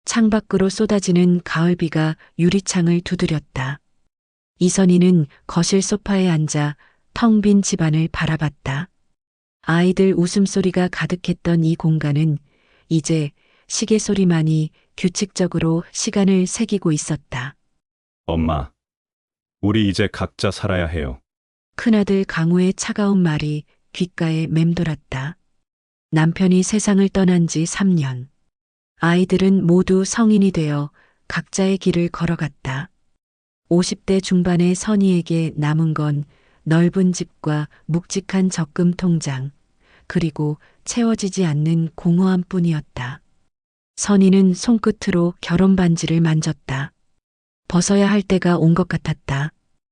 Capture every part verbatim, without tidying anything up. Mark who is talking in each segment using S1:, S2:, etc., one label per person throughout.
S1: 창밖으로 쏟아지는 가을비가 유리창을 두드렸다. 이선희는 거실 소파에 앉아 텅 빈 집안을 바라봤다. 아이들 웃음소리가 가득했던 이 공간은 이제 시계 소리만이 규칙적으로 시간을 새기고 있었다.
S2: 엄마, 우리 이제 각자 살아야 해요.
S1: 큰아들 강우의 차가운 말이 귓가에 맴돌았다. 남편이 세상을 떠난 지 삼 년. 아이들은 모두 성인이 되어 각자의 길을 걸어갔다. 오십 대 중반의 선희에게 남은 건 넓은 집과 묵직한 적금 통장, 그리고 채워지지 않는 공허함 뿐이었다. 선희는 손끝으로 결혼 반지를 만졌다. 벗어야 할 때가 온 것 같았다.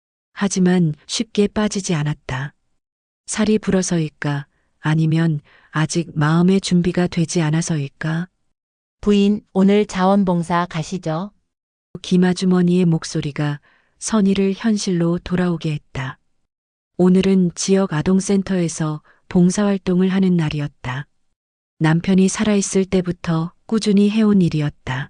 S1: 하지만 쉽게 빠지지 않았다. 살이 불어서일까? 아니면 아직 마음의 준비가 되지 않아서일까?
S3: 부인, 오늘 자원봉사 가시죠?
S1: 김아주머니의 목소리가 선희를 현실로 돌아오게 했다. 오늘은 지역 아동센터에서 봉사활동을 하는 날이었다. 남편이 살아있을 때부터 꾸준히 해온 일이었다.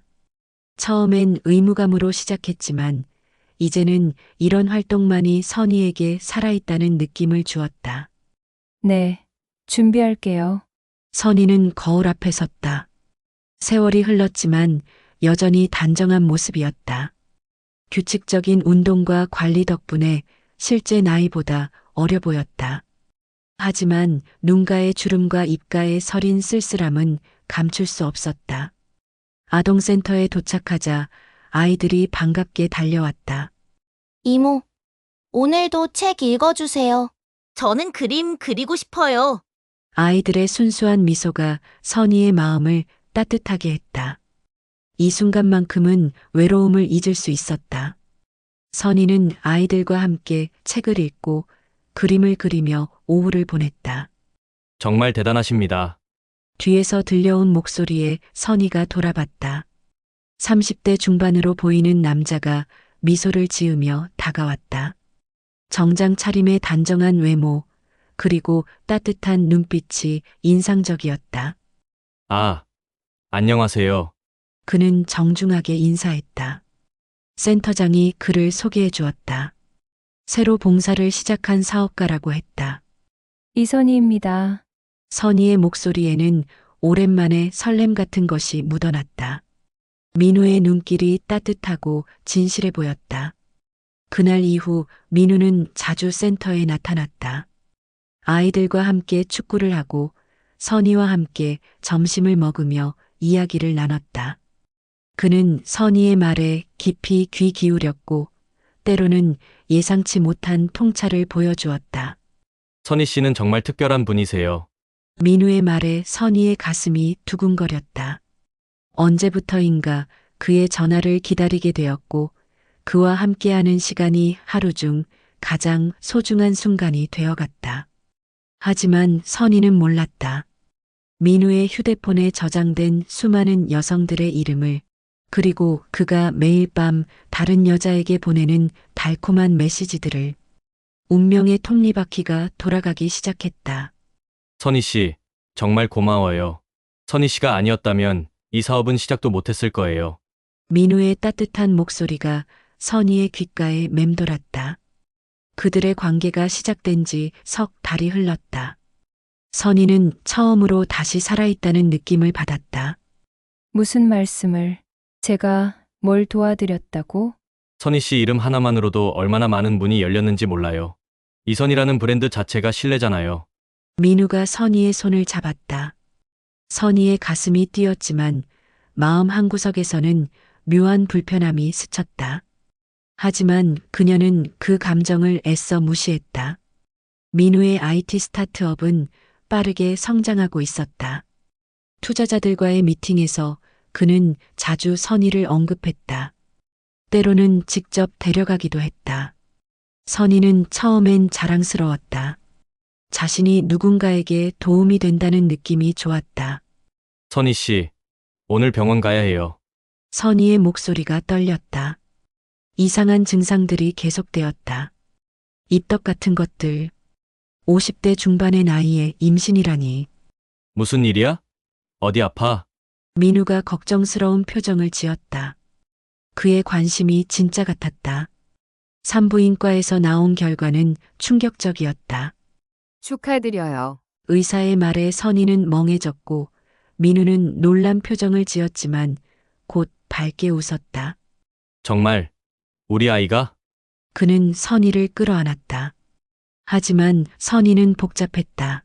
S1: 처음엔 의무감으로 시작했지만 이제는 이런 활동만이 선희에게 살아있다는 느낌을 주었다.
S4: 네, 준비할게요.
S1: 선희는 거울 앞에 섰다. 세월이 흘렀지만 여전히 단정한 모습이었다. 규칙적인 운동과 관리 덕분에 실제 나이보다 어려 보였다. 하지만 눈가의 주름과 입가의 서린 쓸쓸함은 감출 수 없었다. 아동센터에 도착하자 아이들이 반갑게 달려왔다.
S5: 이모, 오늘도 책 읽어주세요. 저는 그림 그리고 싶어요.
S1: 아이들의 순수한 미소가 선희의 마음을 따뜻하게 했다. 이 순간만큼은 외로움을 잊을 수 있었다. 선희는 아이들과 함께 책을 읽고 그림을 그리며 오후를 보냈다.
S6: 정말 대단하십니다.
S1: 뒤에서 들려온 목소리에 선희가 돌아봤다. 삼십 대 중반으로 보이는 남자가 미소를 지으며 다가왔다. 정장 차림의 단정한 외모, 그리고 따뜻한 눈빛이 인상적이었다.
S6: 아, 안녕하세요.
S1: 그는 정중하게 인사했다. 센터장이 그를 소개해 주었다. 새로 봉사를 시작한 사업가라고 했다.
S4: 이선희입니다.
S1: 선희의 목소리에는 오랜만에 설렘 같은 것이 묻어났다. 민우의 눈길이 따뜻하고 진실해 보였다. 그날 이후 민우는 자주 센터에 나타났다. 아이들과 함께 축구를 하고 선희와 함께 점심을 먹으며 이야기를 나눴다. 그는 선희의 말에 깊이 귀 기울였고 때로는 예상치 못한 통찰을 보여주었다.
S6: 선희 씨는 정말 특별한 분이세요.
S1: 민우의 말에 선희의 가슴이 두근거렸다. 언제부터인가 그의 전화를 기다리게 되었고 그와 함께하는 시간이 하루 중 가장 소중한 순간이 되어갔다. 하지만 선희는 몰랐다. 민우의 휴대폰에 저장된 수많은 여성들의 이름을, 그리고 그가 매일 밤 다른 여자에게 보내는 달콤한 메시지들을. 운명의 톱니바퀴가 돌아가기 시작했다.
S6: 선희 씨, 정말 고마워요. 선희 씨가 아니었다면 이 사업은 시작도 못했을 거예요.
S1: 민우의 따뜻한 목소리가 선희의 귓가에 맴돌았다. 그들의 관계가 시작된 지 석 달이 흘렀다. 선희는 처음으로 다시 살아있다는 느낌을 받았다.
S4: 무슨 말씀을? 제가 뭘 도와드렸다고?
S6: 선희 씨 이름 하나만으로도 얼마나 많은 문이 열렸는지 몰라요. 이선희라는 브랜드 자체가 신뢰잖아요.
S1: 민우가 선희의 손을 잡았다. 선희의 가슴이 뛰었지만 마음 한구석에서는 묘한 불편함이 스쳤다. 하지만 그녀는 그 감정을 애써 무시했다. 민우의 아이티 스타트업은 빠르게 성장하고 있었다. 투자자들과의 미팅에서 그는 자주 선희를 언급했다. 때로는 직접 데려가기도 했다. 선희는 처음엔 자랑스러웠다. 자신이 누군가에게 도움이 된다는 느낌이 좋았다.
S6: 선희 씨, 오늘 병원 가야 해요.
S1: 선희의 목소리가 떨렸다. 이상한 증상들이 계속되었다. 입덧 같은 것들. 오십 대 중반의 나이에 임신이라니.
S6: 무슨 일이야? 어디 아파?
S1: 민우가 걱정스러운 표정을 지었다. 그의 관심이 진짜 같았다. 산부인과에서 나온 결과는 충격적이었다.
S7: 축하드려요.
S1: 의사의 말에 선희는 멍해졌고 민우는 놀란 표정을 지었지만 곧 밝게 웃었다.
S6: 정말 우리 아이가?
S1: 그는 선희를 끌어안았다. 하지만 선희는 복잡했다.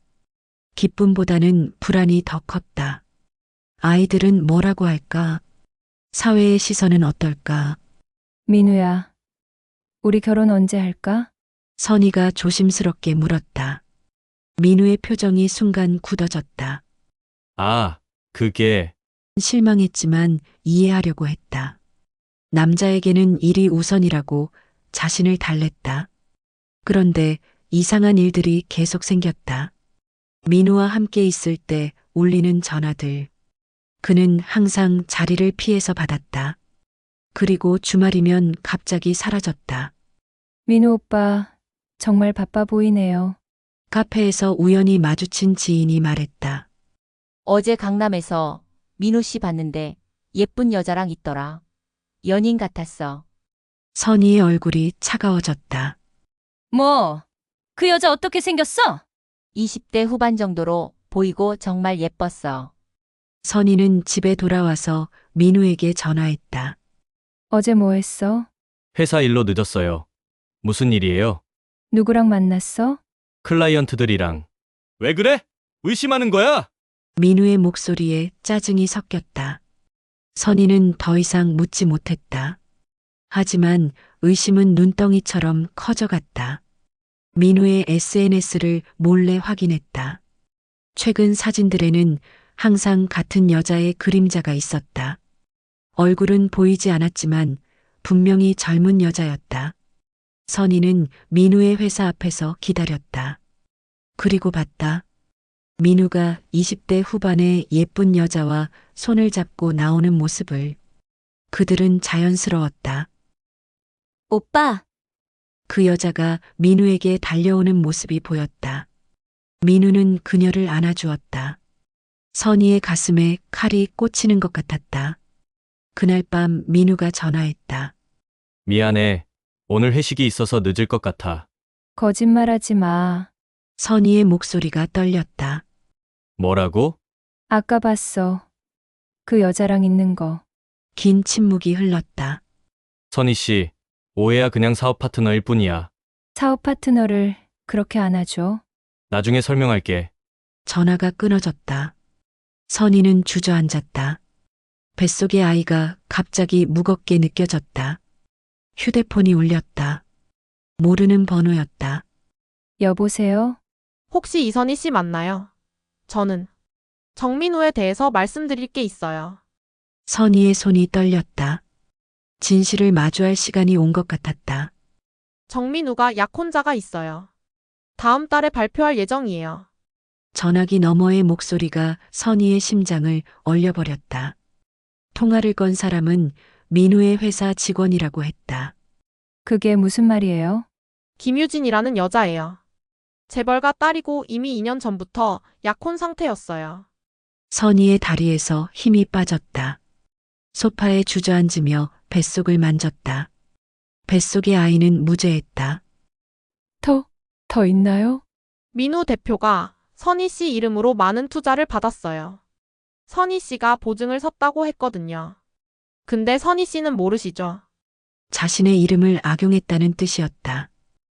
S1: 기쁨보다는 불안이 더 컸다. 아이들은 뭐라고 할까? 사회의 시선은 어떨까?
S4: 민우야, 우리 결혼 언제 할까?
S1: 선희가 조심스럽게 물었다. 민우의 표정이 순간 굳어졌다.
S6: 아, 그게
S1: 실망했지만 이해하려고 했다. 남자에게는 일이 우선이라고 자신을 달랬다. 그런데 이상한 일들이 계속 생겼다. 민우와 함께 있을 때 울리는 전화들. 그는 항상 자리를 피해서 받았다. 그리고 주말이면 갑자기 사라졌다.
S4: 민우 오빠, 정말 바빠 보이네요.
S1: 카페에서 우연히 마주친 지인이 말했다.
S3: 어제 강남에서 민우 씨 봤는데 예쁜 여자랑 있더라. 연인 같았어.
S1: 선희의 얼굴이 차가워졌다.
S8: 뭐, 그 여자 어떻게 생겼어?
S3: 이십 대 후반 정도로 보이고 정말 예뻤어.
S1: 선희는 집에 돌아와서 민우에게 전화했다.
S4: 어제 뭐 했어?
S6: 회사 일로 늦었어요. 무슨 일이에요?
S4: 누구랑 만났어?
S6: 클라이언트들이랑. 왜 그래? 의심하는 거야?
S1: 민우의 목소리에 짜증이 섞였다. 선희는 더 이상 묻지 못했다. 하지만 의심은 눈덩이처럼 커져갔다. 민우의 에스엔에스를 몰래 확인했다. 최근 사진들에는 항상 같은 여자의 그림자가 있었다. 얼굴은 보이지 않았지만 분명히 젊은 여자였다. 선희는 민우의 회사 앞에서 기다렸다. 그리고 봤다. 민우가 이십 대 후반의 예쁜 여자와 손을 잡고 나오는 모습을. 그들은 자연스러웠다.
S5: 오빠,
S1: 그 여자가 민우에게 달려오는 모습이 보였다. 민우는 그녀를 안아주었다. 선희의 가슴에 칼이 꽂히는 것 같았다. 그날 밤 민우가 전화했다.
S6: 미안해. 오늘 회식이 있어서 늦을 것 같아.
S4: 거짓말하지 마.
S1: 선희의 목소리가 떨렸다.
S6: 뭐라고?
S4: 아까 봤어. 그 여자랑 있는 거.
S1: 긴 침묵이 흘렀다.
S6: 선희 씨, 오해야 그냥 사업 파트너일 뿐이야.
S4: 사업 파트너를 그렇게 안아줘.
S6: 나중에 설명할게.
S1: 전화가 끊어졌다. 선희는 주저앉았다. 뱃속의 아이가 갑자기 무겁게 느껴졌다. 휴대폰이 울렸다. 모르는 번호였다.
S4: 여보세요?
S9: 혹시 이선희 씨 맞나요? 저는 정민우에 대해서 말씀드릴 게 있어요.
S1: 선희의 손이 떨렸다. 진실을 마주할 시간이 온 것 같았다.
S9: 정민우가 약혼자가 있어요. 다음 달에 발표할 예정이에요.
S1: 전화기 너머의 목소리가 선희의 심장을 얼려버렸다. 통화를 건 사람은 민우의 회사 직원이라고 했다.
S4: 그게 무슨 말이에요?
S9: 김유진이라는 여자예요. 재벌가 딸이고 이미 이 년 전부터 약혼 상태였어요.
S1: 선희의 다리에서 힘이 빠졌다. 소파에 주저앉으며 뱃속을 만졌다. 뱃속의 아이는 무죄했다.
S4: 더, 더 있나요?
S9: 민우 대표가 선희 씨 이름으로 많은 투자를 받았어요. 선희 씨가 보증을 섰다고 했거든요. 근데 선희 씨는 모르시죠?
S1: 자신의 이름을 악용했다는 뜻이었다.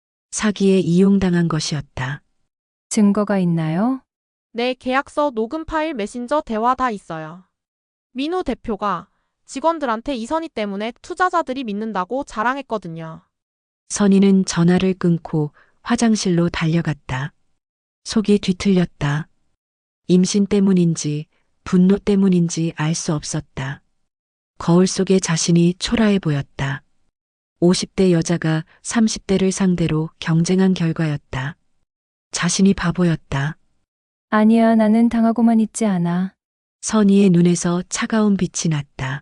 S1: 사기에 이용당한 것이었다.
S4: 증거가 있나요?
S9: 내 계약서 녹음 파일 메신저 대화 다 있어요. 민우 대표가 직원들한테 이선희 때문에 투자자들이 믿는다고 자랑했거든요.
S1: 선희는 전화를 끊고 화장실로 달려갔다. 속이 뒤틀렸다. 임신 때문인지 분노 때문인지 알 수 없었다. 거울 속의 자신이 초라해 보였다. 오십 대 여자가 삼십 대를 상대로 경쟁한 결과였다. 자신이 바보였다.
S4: 아니야, 나는 당하고만 있지 않아.
S1: 선희의 눈에서 차가운 빛이 났다.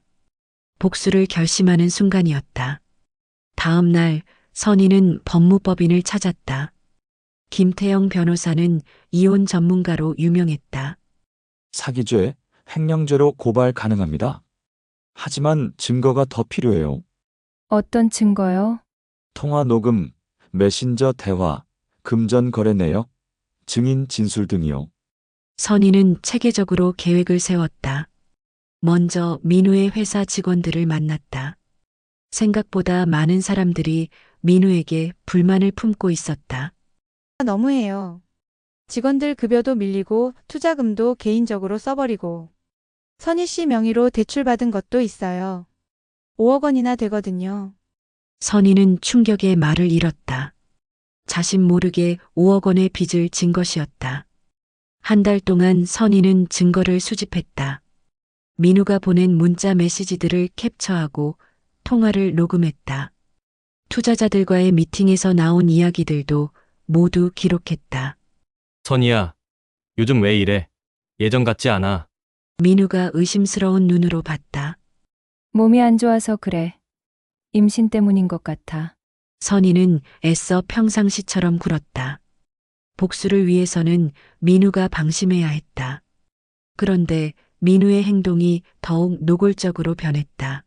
S1: 복수를 결심하는 순간이었다. 다음 날 선희는 법무법인을 찾았다. 김태영 변호사는 이혼 전문가로 유명했다.
S10: 사기죄, 횡령죄로 고발 가능합니다. 하지만 증거가 더 필요해요.
S4: 어떤 증거요?
S10: 통화 녹음, 메신저 대화, 금전 거래 내역, 증인 진술 등이요.
S1: 선희는 체계적으로 계획을 세웠다. 먼저 민우의 회사 직원들을 만났다. 생각보다 많은 사람들이 민우에게 불만을 품고 있었다.
S11: 너무해요. 직원들 급여도 밀리고 투자금도 개인적으로 써버리고 선희 씨 명의로 대출받은 것도 있어요. 오억 원이나 되거든요.
S1: 선희는 충격에 말을 잃었다. 자신 모르게 오억 원의 빚을 진 것이었다. 한 달 동안 선희는 증거를 수집했다. 민우가 보낸 문자 메시지들을 캡처하고 통화를 녹음했다. 투자자들과의 미팅에서 나온 이야기들도 모두 기록했다.
S6: 선희야, 요즘 왜 이래? 예전 같지 않아.
S1: 민우가 의심스러운 눈으로 봤다.
S4: 몸이 안 좋아서 그래. 임신 때문인 것 같아.
S1: 선희는 애써 평상시처럼 굴었다. 복수를 위해서는 민우가 방심해야 했다. 그런데 민우의 행동이 더욱 노골적으로 변했다.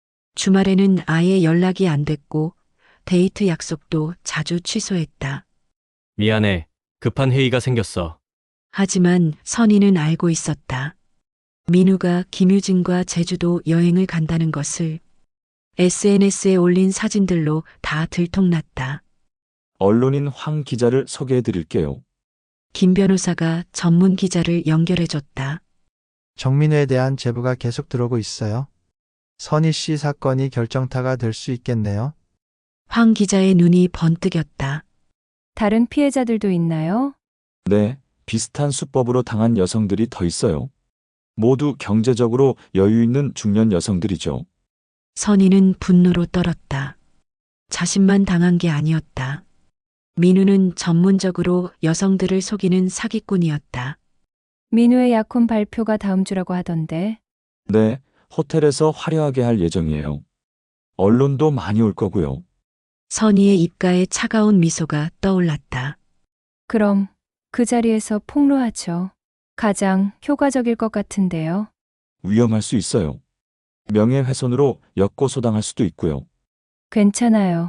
S1: 주말에는 아예 연락이 안 됐고 데이트 약속도 자주 취소했다.
S6: 미안해. 급한 회의가 생겼어.
S1: 하지만 선희는 알고 있었다. 민우가 김유진과 제주도 여행을 간다는 것을 에스엔에스에 올린 사진들로 다 들통났다.
S10: 언론인 황 기자를 소개해 드릴게요.
S1: 김 변호사가 전문 기자를 연결해줬다.
S12: 정민우에 대한 제보가 계속 들어오고 있어요. 선희 씨 사건이 결정타가 될 수 있겠네요.
S1: 황 기자의 눈이 번뜩였다.
S4: 다른 피해자들도 있나요?
S10: 네, 비슷한 수법으로 당한 여성들이 더 있어요. 모두 경제적으로 여유 있는 중년 여성들이죠.
S1: 선희는 분노로 떨었다. 자신만 당한 게 아니었다. 민우는 전문적으로 여성들을 속이는 사기꾼이었다.
S4: 민우의 약혼 발표가 다음 주라고 하던데.
S10: 네, 호텔에서 화려하게 할 예정이에요. 언론도 많이 올 거고요.
S1: 선희의 입가에 차가운 미소가 떠올랐다.
S4: 그럼 그 자리에서 폭로하죠. 가장 효과적일 것 같은데요.
S10: 위험할 수 있어요. 명예훼손으로 역고소당할 수도 있고요.
S4: 괜찮아요.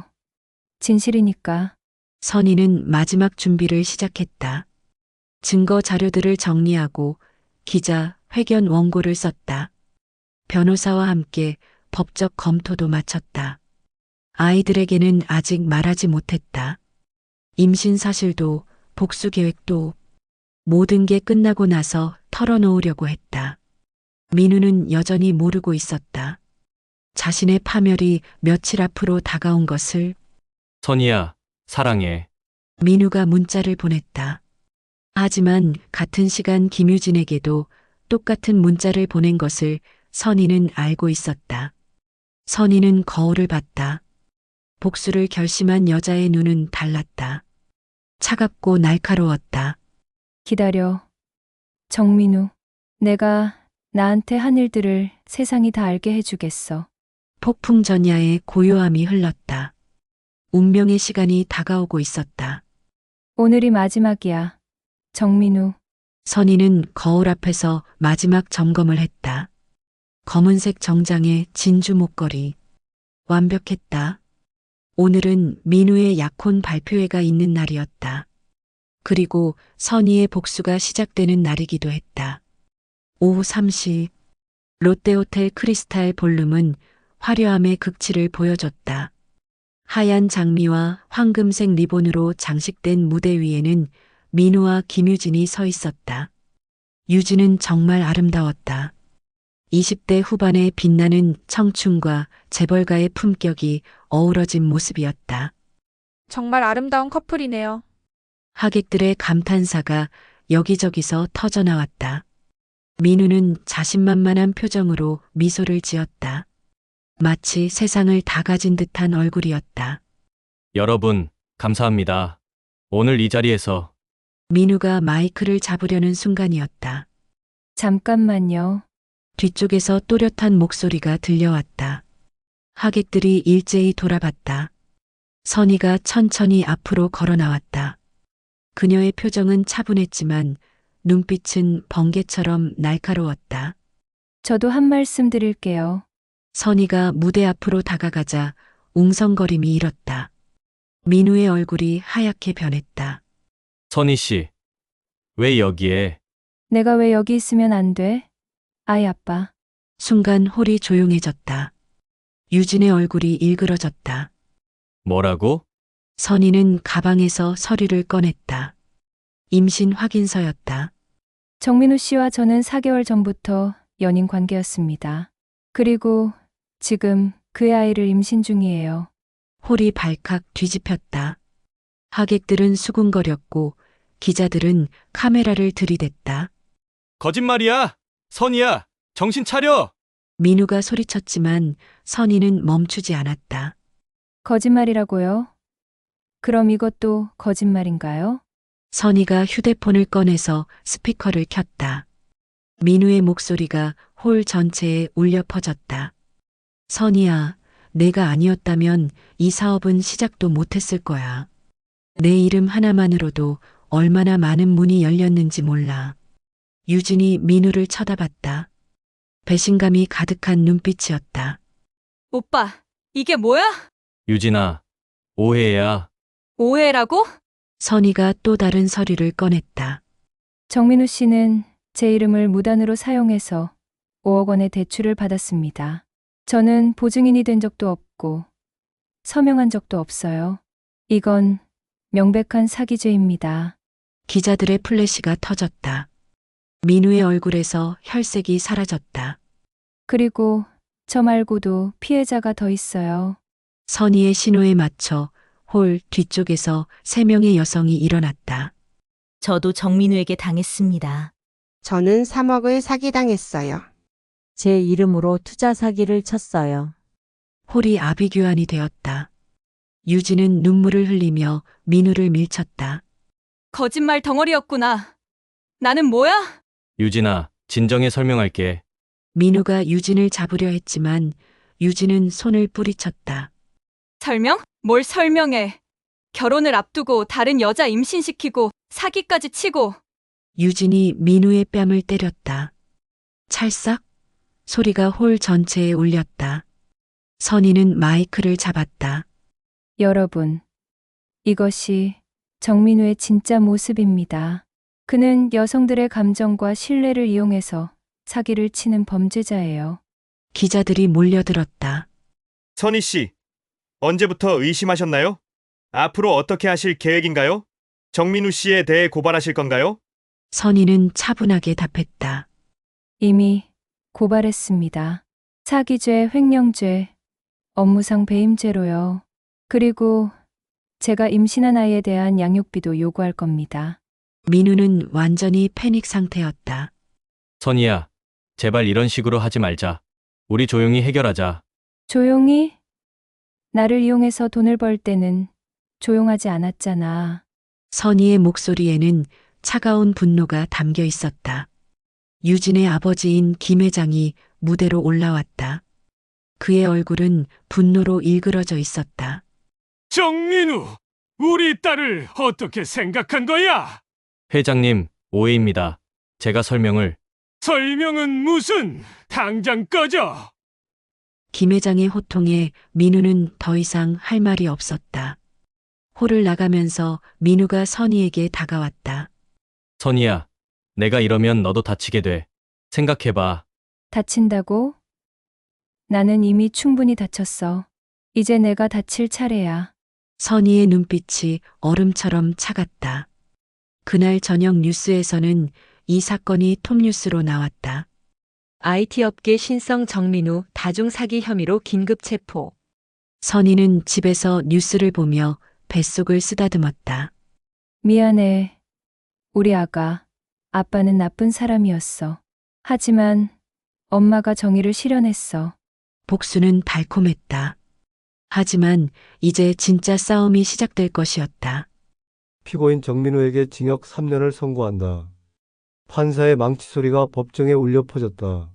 S4: 진실이니까.
S1: 선희는 마지막 준비를 시작했다. 증거 자료들을 정리하고 기자 회견 원고를 썼다. 변호사와 함께 법적 검토도 마쳤다. 아이들에게는 아직 말하지 못했다. 임신 사실도 복수 계획도 모든 게 끝나고 나서 털어놓으려고 했다. 민우는 여전히 모르고 있었다. 자신의 파멸이 며칠 앞으로 다가온 것을.
S6: 선희야, 사랑해.
S1: 민우가 문자를 보냈다. 하지만 같은 시간 김유진에게도 똑같은 문자를 보낸 것을 선희는 알고 있었다. 선희는 거울을 봤다. 복수를 결심한 여자의 눈은 달랐다. 차갑고 날카로웠다.
S4: 기다려. 정민우. 내가 나한테 한 일들을 세상이 다 알게 해주겠어.
S1: 폭풍 전야의 고요함이 흘렀다. 운명의 시간이 다가오고 있었다.
S4: 오늘이 마지막이야. 정민우.
S1: 선희는 거울 앞에서 마지막 점검을 했다. 검은색 정장에 진주 목걸이. 완벽했다. 오늘은 민우의 약혼 발표회가 있는 날이었다. 그리고 선희의 복수가 시작되는 날이기도 했다. 오후 세 시 롯데호텔 크리스탈 볼룸은 화려함의 극치를 보여줬다. 하얀 장미와 황금색 리본으로 장식된 무대 위에는 민우와 김유진이 서 있었다. 유진은 정말 아름다웠다. 이십 대 후반의 빛나는 청춘과 재벌가의 품격이 어우러진 모습이었다.
S9: 정말 아름다운 커플이네요.
S1: 하객들의 감탄사가 여기저기서 터져나왔다. 민우는 자신만만한 표정으로 미소를 지었다. 마치 세상을 다 가진 듯한 얼굴이었다.
S6: 여러분, 감사합니다. 오늘 이 자리에서
S1: 민우가 마이크를 잡으려는 순간이었다.
S4: 잠깐만요.
S1: 뒤쪽에서 또렷한 목소리가 들려왔다. 하객들이 일제히 돌아봤다. 선희가 천천히 앞으로 걸어 나왔다. 그녀의 표정은 차분했지만 눈빛은 번개처럼 날카로웠다.
S4: 저도 한 말씀 드릴게요.
S1: 선희가 무대 앞으로 다가가자 웅성거림이 일었다. 민우의 얼굴이 하얗게 변했다.
S6: 선희 씨, 왜 여기에?
S4: 내가 왜 여기 있으면 안 돼? 아이 아빠.
S1: 순간 홀이 조용해졌다. 유진의 얼굴이 일그러졌다.
S6: 뭐라고?
S1: 선희는 가방에서 서류를 꺼냈다. 임신 확인서였다.
S4: 정민우 씨와 저는 사 개월 전부터 연인 관계였습니다. 그리고 지금 그의 아이를 임신 중이에요.
S1: 홀이 발칵 뒤집혔다. 하객들은 수군거렸고 기자들은 카메라를 들이댔다.
S6: 거짓말이야! 선희야! 정신 차려!
S1: 민우가 소리쳤지만 선희는 멈추지 않았다.
S4: 거짓말이라고요? 그럼 이것도 거짓말인가요?
S1: 선희가 휴대폰을 꺼내서 스피커를 켰다. 민우의 목소리가 홀 전체에 울려 퍼졌다. 선희야, 내가 아니었다면 이 사업은 시작도 못했을 거야. 내 이름 하나만으로도 얼마나 많은 문이 열렸는지 몰라. 유진이 민우를 쳐다봤다. 배신감이 가득한 눈빛이었다.
S8: 오빠, 이게 뭐야?
S6: 유진아, 오해야.
S8: 오해라고?
S1: 선희가 또 다른 서류를 꺼냈다.
S4: 정민우 씨는 제 이름을 무단으로 사용해서 오억 원의 대출을 받았습니다. 저는 보증인이 된 적도 없고 서명한 적도 없어요. 이건 명백한 사기죄입니다.
S1: 기자들의 플래시가 터졌다. 민우의 얼굴에서 혈색이 사라졌다.
S4: 그리고 저 말고도 피해자가 더 있어요.
S1: 선희의 신호에 맞춰 홀 뒤쪽에서 세 명의 여성이 일어났다.
S5: 저도 정민우에게 당했습니다.
S13: 저는 삼억을 사기당했어요.
S14: 제 이름으로 투자 사기를 쳤어요.
S1: 홀이 아비규환이 되었다. 유진은 눈물을 흘리며 민우를 밀쳤다.
S8: 거짓말 덩어리였구나. 나는 뭐야?
S6: 유진아, 진정해 설명할게.
S1: 민우가 유진을 잡으려 했지만 유진은 손을 뿌리쳤다.
S8: 설명? 뭘 설명해. 결혼을 앞두고 다른 여자 임신시키고 사기까지 치고.
S1: 유진이 민우의 뺨을 때렸다. 찰싹 소리가 홀 전체에 울렸다. 선희는 마이크를 잡았다.
S4: 여러분, 이것이 정민우의 진짜 모습입니다. 그는 여성들의 감정과 신뢰를 이용해서 사기를 치는 범죄자예요.
S1: 기자들이 몰려들었다.
S15: 선희 씨, 언제부터 의심하셨나요? 앞으로 어떻게 하실 계획인가요? 정민우 씨에 대해 고발하실 건가요?
S1: 선희는 차분하게 답했다.
S4: 이미 고발했습니다. 사기죄, 횡령죄, 업무상 배임죄로요. 그리고 제가 임신한 아이에 대한 양육비도 요구할 겁니다.
S1: 민우는 완전히 패닉 상태였다.
S6: 선희야, 제발 이런 식으로 하지 말자. 우리 조용히 해결하자.
S4: 조용히? 나를 이용해서 돈을 벌 때는 조용하지 않았잖아.
S1: 선희의 목소리에는 차가운 분노가 담겨 있었다. 유진의 아버지인 김 회장이 무대로 올라왔다. 그의 얼굴은 분노로 일그러져 있었다.
S16: 정민우, 우리 딸을 어떻게 생각한 거야?
S6: 회장님, 오해입니다. 제가 설명을.
S16: 설명은 무슨? 당장 꺼져!
S1: 김 회장의 호통에 민우는 더 이상 할 말이 없었다. 홀을 나가면서 민우가 선희에게 다가왔다.
S6: 선희야, 내가 이러면 너도 다치게 돼. 생각해봐.
S4: 다친다고? 나는 이미 충분히 다쳤어. 이제 내가 다칠 차례야.
S1: 선희의 눈빛이 얼음처럼 차갔다. 그날 저녁 뉴스에서는 이 사건이 톱뉴스로 나왔다.
S17: 아이티 업계 신성 정민우 다중 사기 혐의로 긴급 체포.
S1: 선희는 집에서 뉴스를 보며 뱃속을 쓰다듬었다.
S4: 미안해. 우리 아가, 아빠는 나쁜 사람이었어. 하지만 엄마가 정의를 실현했어.
S1: 복수는 달콤했다. 하지만 이제 진짜 싸움이 시작될 것이었다.
S18: 피고인 정민우에게 징역 삼 년을 선고한다. 판사의 망치 소리가 법정에 울려 퍼졌다.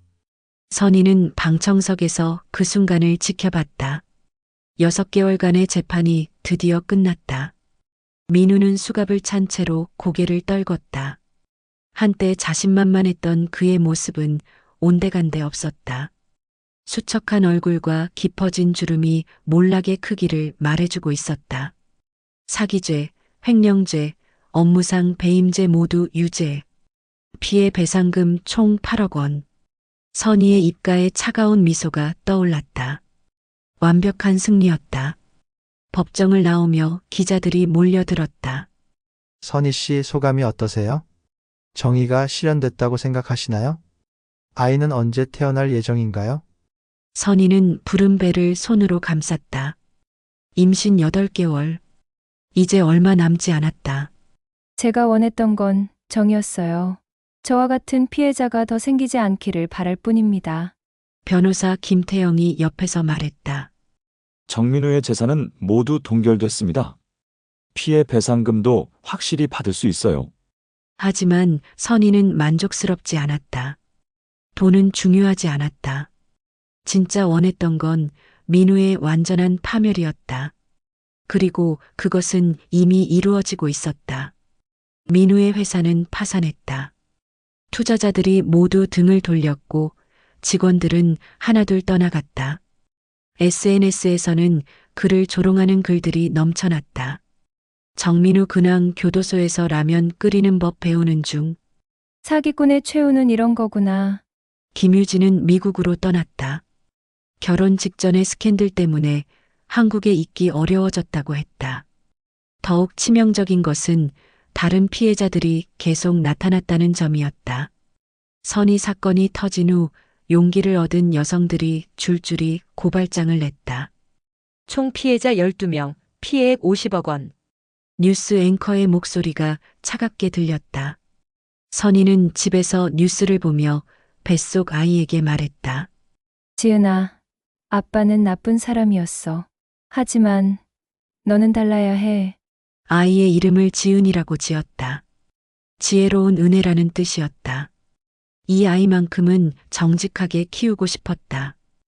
S1: 선희는 방청석에서 그 순간을 지켜봤다. 여섯 개월간의 재판이 드디어 끝났다. 민우는 수갑을 찬 채로 고개를 떨궜다. 한때 자신만만했던 그의 모습은 온데간데 없었다. 수척한 얼굴과 깊어진 주름이 몰락의 크기를 말해주고 있었다. 사기죄, 횡령죄, 업무상 배임죄 모두 유죄. 피해 배상금 총 팔억 원. 선희의 입가에 차가운 미소가 떠올랐다. 완벽한 승리였다. 법정을 나오며 기자들이 몰려들었다.
S12: 선희 씨 소감이 어떠세요? 정의가 실현됐다고 생각하시나요? 아이는 언제 태어날 예정인가요?
S1: 선희는 부른 배를 손으로 감쌌다. 임신 여덟 개월. 이제 얼마 남지 않았다.
S4: 제가 원했던 건 정이었어요. 저와 같은 피해자가 더 생기지 않기를 바랄 뿐입니다.
S1: 변호사 김태영이 옆에서 말했다.
S10: 정민우의 재산은 모두 동결됐습니다. 피해 배상금도 확실히 받을 수 있어요.
S1: 하지만 선희는 만족스럽지 않았다. 돈은 중요하지 않았다. 진짜 원했던 건 민우의 완전한 파멸이었다. 그리고 그것은 이미 이루어지고 있었다. 민우의 회사는 파산했다. 투자자들이 모두 등을 돌렸고 직원들은 하나둘 떠나갔다. 에스엔에스에서는 그를 조롱하는 글들이 넘쳐났다. 정민우 근황 교도소에서 라면 끓이는 법 배우는 중.
S4: 사기꾼의 최후는 이런 거구나.
S1: 김유진은 미국으로 떠났다. 결혼 직전의 스캔들 때문에 한국에 있기 어려워졌다고 했다. 더욱 치명적인 것은 다른 피해자들이 계속 나타났다는 점이었다. 선희 사건이 터진 후 용기를 얻은 여성들이 줄줄이 고발장을 냈다.
S17: 총 피해자 열두 명, 피해액 오십억 원.
S1: 뉴스 앵커의 목소리가 차갑게 들렸다. 선희는 집에서 뉴스를 보며 뱃속 아이에게 말했다.
S4: 지은아, 아빠는 나쁜 사람이었어. 하지만 너는 달라야 해.
S1: 아이의 이름을 지은이라고 지었다. 지혜로운 은혜라는 뜻이었다. 이 아이만큼은 정직하게 키우고 싶었다.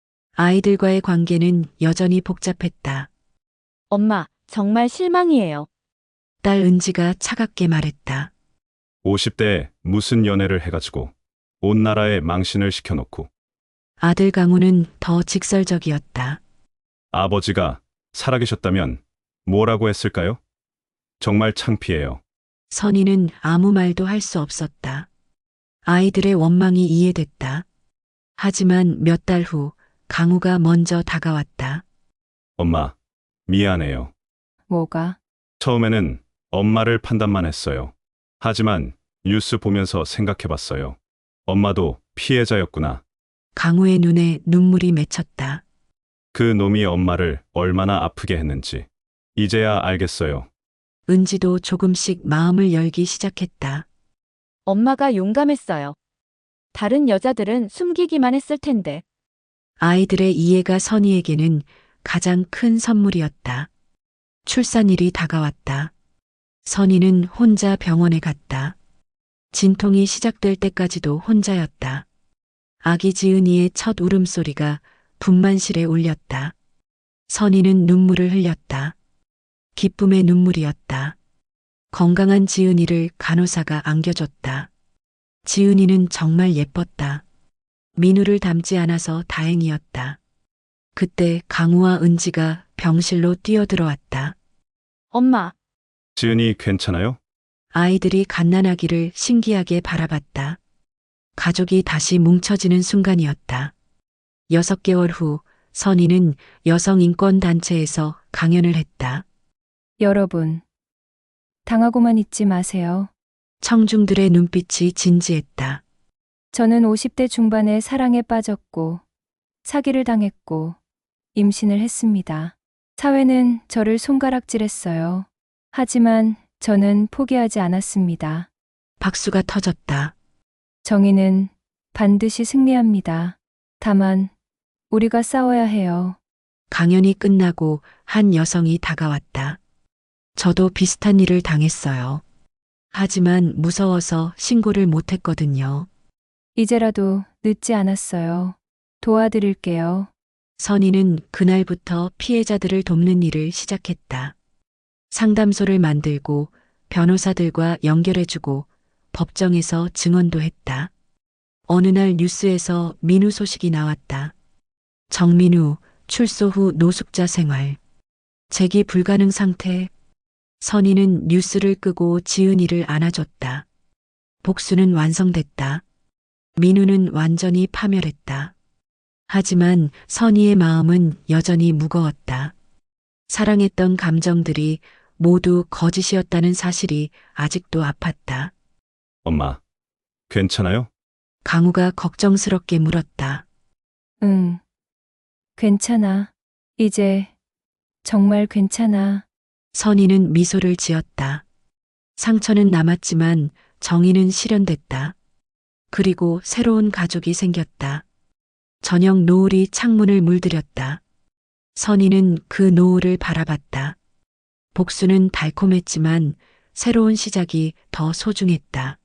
S1: 아이들과의 관계는 여전히 복잡했다.
S3: 엄마, 정말 실망이에요.
S1: 딸 은지가 차갑게 말했다.
S2: 오십 대에 무슨 연애를 해가지고 온 나라에 망신을 시켜놓고.
S1: 아들 강우는 더 직설적이었다.
S2: 아버지가 살아계셨다면 뭐라고 했을까요? 정말 창피해요.
S1: 선희는 아무 말도 할 수 없었다. 아이들의 원망이 이해됐다. 하지만 몇 달 후 강우가 먼저 다가왔다.
S2: 엄마, 미안해요.
S4: 뭐가?
S2: 처음에는 엄마를 판단만 했어요. 하지만 뉴스 보면서 생각해봤어요. 엄마도 피해자였구나.
S1: 강우의 눈에 눈물이 맺혔다.
S2: 그 놈이 엄마를 얼마나 아프게 했는지 이제야 알겠어요.
S1: 은지도 조금씩 마음을 열기 시작했다.
S3: 엄마가 용감했어요. 다른 여자들은 숨기기만 했을 텐데.
S1: 아이들의 이해가 선희에게는 가장 큰 선물이었다. 출산일이 다가왔다. 선희는 혼자 병원에 갔다. 진통이 시작될 때까지도 혼자였다. 아기 지은이의 첫 울음소리가 분만실에 울렸다. 선희는 눈물을 흘렸다. 기쁨의 눈물이었다. 건강한 지은이를 간호사가 안겨줬다. 지은이는 정말 예뻤다. 민우를 닮지 않아서 다행이었다. 그때 강우와 은지가 병실로 뛰어들어왔다.
S3: 엄마,
S2: 지은이 괜찮아요?
S1: 아이들이 갓난아기를 신기하게 바라봤다. 가족이 다시 뭉쳐지는 순간이었다. 여섯 개월 후 선희는 여성인권단체에서 강연을 했다.
S4: 여러분, 당하고만 있지 마세요.
S1: 청중들의 눈빛이 진지했다.
S4: 저는 오십 대 중반에 사랑에 빠졌고, 사기를 당했고, 임신을 했습니다. 사회는 저를 손가락질했어요. 하지만 저는 포기하지 않았습니다.
S1: 박수가 터졌다.
S4: 정의는 반드시 승리합니다. 다만, 우리가 싸워야 해요.
S1: 강연이 끝나고 한 여성이 다가왔다. 저도 비슷한 일을 당했어요. 하지만 무서워서 신고를 못했거든요.
S4: 이제라도 늦지 않았어요. 도와드릴게요.
S1: 선희는 그날부터 피해자들을 돕는 일을 시작했다. 상담소를 만들고 변호사들과 연결해주고 법정에서 증언도 했다. 어느 날 뉴스에서 민우 소식이 나왔다. 정민우 출소 후 노숙자 생활. 재기 불가능 상태. 선희는 뉴스를 끄고 지은이를 안아줬다. 복수는 완성됐다. 민우는 완전히 파멸했다. 하지만 선희의 마음은 여전히 무거웠다. 사랑했던 감정들이 모두 거짓이었다는 사실이 아직도 아팠다.
S2: 엄마, 괜찮아요?
S1: 강우가 걱정스럽게 물었다.
S4: 응. 괜찮아. 이제 정말 괜찮아.
S1: 선희는 미소를 지었다. 상처는 남았지만 정의는 실현됐다. 그리고 새로운 가족이 생겼다. 저녁 노을이 창문을 물들였다. 선희는 그 노을을 바라봤다. 복수는 달콤했지만 새로운 시작이 더 소중했다.